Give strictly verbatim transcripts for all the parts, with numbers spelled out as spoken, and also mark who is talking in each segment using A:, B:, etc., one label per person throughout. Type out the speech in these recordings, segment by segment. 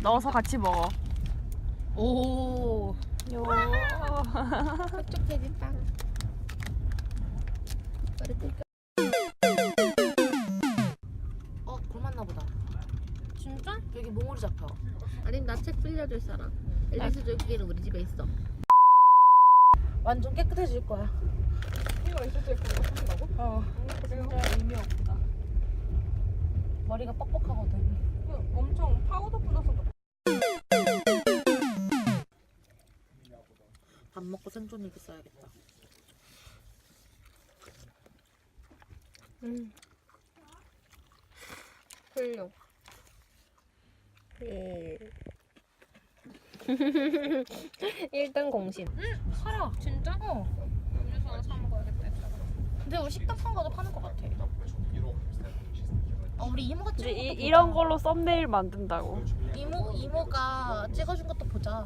A: 넣어서 같이 먹어.
B: 오.
A: 요.
B: 그쪽 돼지빵. 어, 굶었나 보다. 진짜? 여기 몽우리 잡혀.
C: 아니 나 책 빌려줄 사람. 앨리스 조기는 우리 집에 있어.
B: 완전 깨끗해질 거야.
A: 이거 있을 거고 한다고?
B: 어.
A: 진짜 의미 없다.
B: 머리가 뻑뻑하거든.
A: 엄청 파우더 뿌려서.
B: 밥 먹고 생존 일기 써야겠다.
C: 음. 훌륭. 예. 일 등 공신.
B: 응, 팔아. 진짜? 어.
A: 음료수 하나 사 먹어야겠다.
B: 근데 우리 식당 산 거도 파는 거 같아. 아, 우리 이모가
A: 이제
B: 찍은
A: 이,
B: 것도
A: 이런
B: 보자.
A: 걸로 썸네일 만든다고.
B: 이모 이모가 찍어준 것도 보자.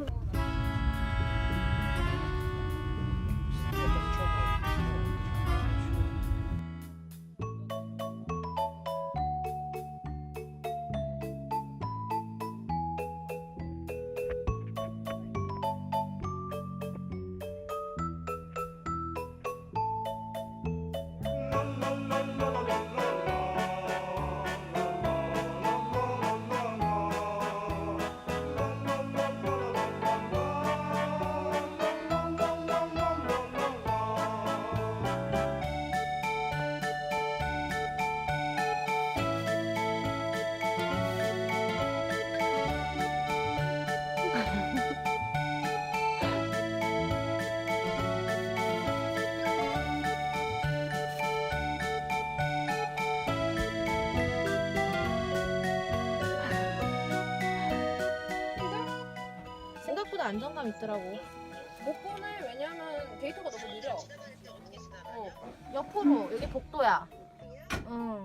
B: 생각보다 안정감 있더라고.
C: 못 보내. 왜냐면 데이터가 너무 느려. 어.
B: 옆으로 여기 복도야. 응.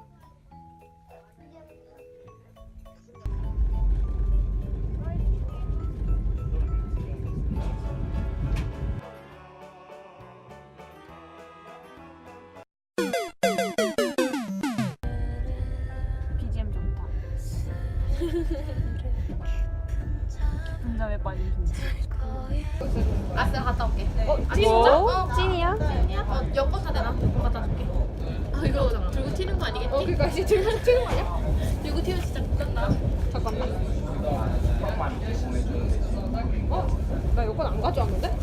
A: 비지엠 좋다. 분자에 빠진 김치.
B: 아싸 갔다 올게. 어, 아,
A: 뭐?
B: 진짜?
A: 찐이야?
B: 어, 여권 다 내놔. 여권 갖다 줄게.
C: 아 이거 들고 튀는 거 아니겠지?
B: 어, 그니까 이제 들고 튀는 거 아니야?
C: 들고 튀면 진짜 못간다.
B: 잠깐만.
C: 어? 나 여권 안 가져왔는데?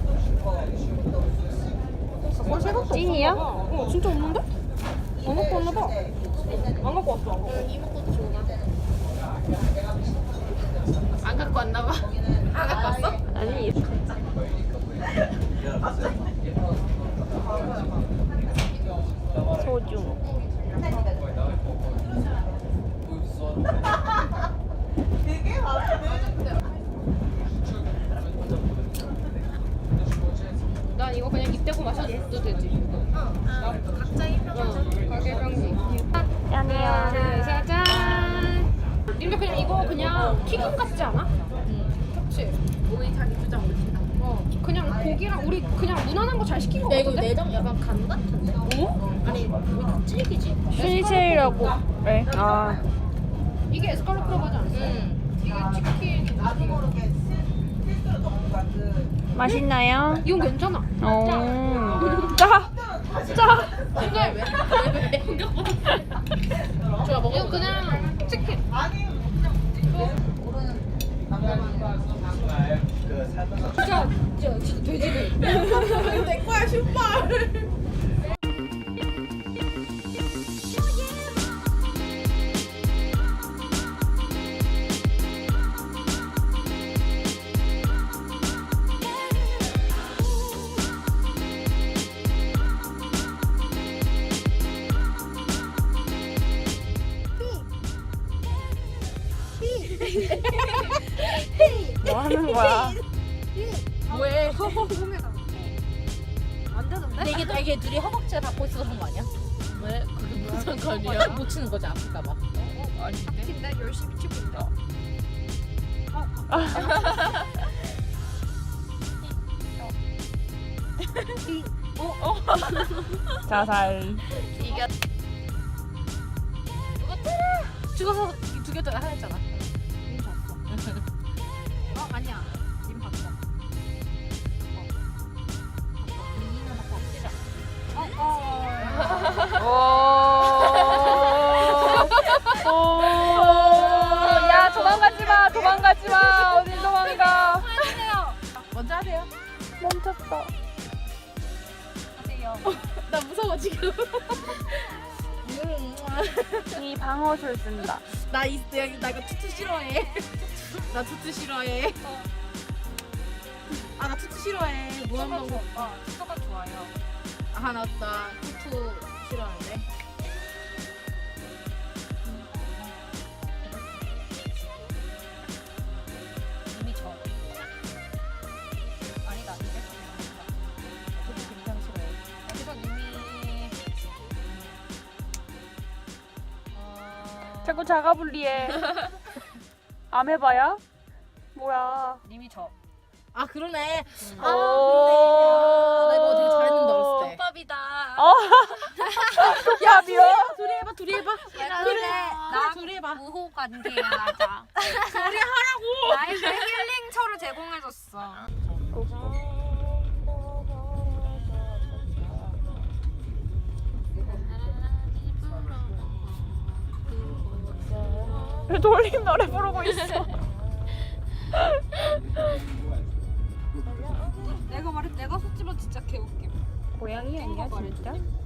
B: 뭘 생각도
A: 찐이야?
C: 어 진짜 없는데? 안 갖고 왔나 봐. 안 갖고 왔어. 안 갖고 왔어.
B: 이모 것도 좋아.
C: 안 갖고 왔나 봐.
B: 안 갖고 왔어?
A: 아니. 소중.
C: 난 이거 그냥 입 대고 마셔도 되지.
B: 어. 각자 입혀가지고.
C: 어. 가게 병지.
A: 짠이야.
C: 네, 짜잔. 근데 그냥 이거 그냥 튀김 같지 않아?
B: 응.
C: 그치?
B: 우리 자기 주장 올리다.
C: 어. 그냥 고기랑 우리 그냥 무난한 거 잘 시킨 거
B: 야, 이거
C: 같은데?
B: 내장 약간 간 같은데?
C: 어?
B: 아니, 왜 닭질기지?
A: 슈니체이라고. 왜? 아.
C: 이게 에스칼로 프로바지 않았어?
B: 응.
C: 이게 치킨.
A: 맛있나요?
C: 이건 괜찮아.
A: 어. 짜. 짜.
C: 근데 왜? 왜? 왜? 좋아 먹어. 이거 그냥 치킨. 진짜 진짜 진짜 돼지들.
B: 내 거야, 신발!
A: 뭐 하는 거야?
B: 왜?
C: 안 되는데?
B: 근데 이게 되게 둘이 허벅지를 닿고 있어서 그런 거 아니야?
C: 왜? 그게 무슨 상관이야?
B: 못 치는 거지, 아플까봐.
A: 아닌데?
C: 근데 열심히 치고 있다.
A: 자살.
B: 이게 죽어서 두 개 더 하였잖아.
C: 이미 잤어. 아니야. 님 바꿔. 니는 바꿔. 시작.
A: 오. 오. 야 도망가지 마. 도망가지 마. 어디 도망가?
C: 먼저 하세요.
A: 멈췄어.
C: 하세요. 나 무서워 지금.
A: 이 방어술 쓴다.
C: 나 이, 나 이거 투투 싫어해. 나 투투 싫어해. 아, 나 투투 싫어해. 무한반복.
B: 어, 투가 좋아요.
C: 아, 나, 나 투투 싫어하는데.
B: 이미 저. 아니다, 이게 저도 굉장히 싫어요. 여기서 님이 어...
A: 자꾸 자가 분리해. 아메바야? 뭐야?
B: 님이 저.
C: 아, 그러네.
A: 오.
C: 아, 그러네. 나 이거 되게 잘했는데, 어렸을 때.
B: 밥이다.
A: 어? 야 미워.
C: 둘이 해봐, 둘이 해봐.
B: 그래.
C: 나 둘이 해봐.
B: 우호 관계야, 하자. 둘이 하라고. 나에게 힐링처를 제공해줬어.
A: 왜 돌림 노래 부르고 있어?
B: 내가 말해, 내가 속지만 진짜 개웃겨.
A: 고양이 아니야 진짜?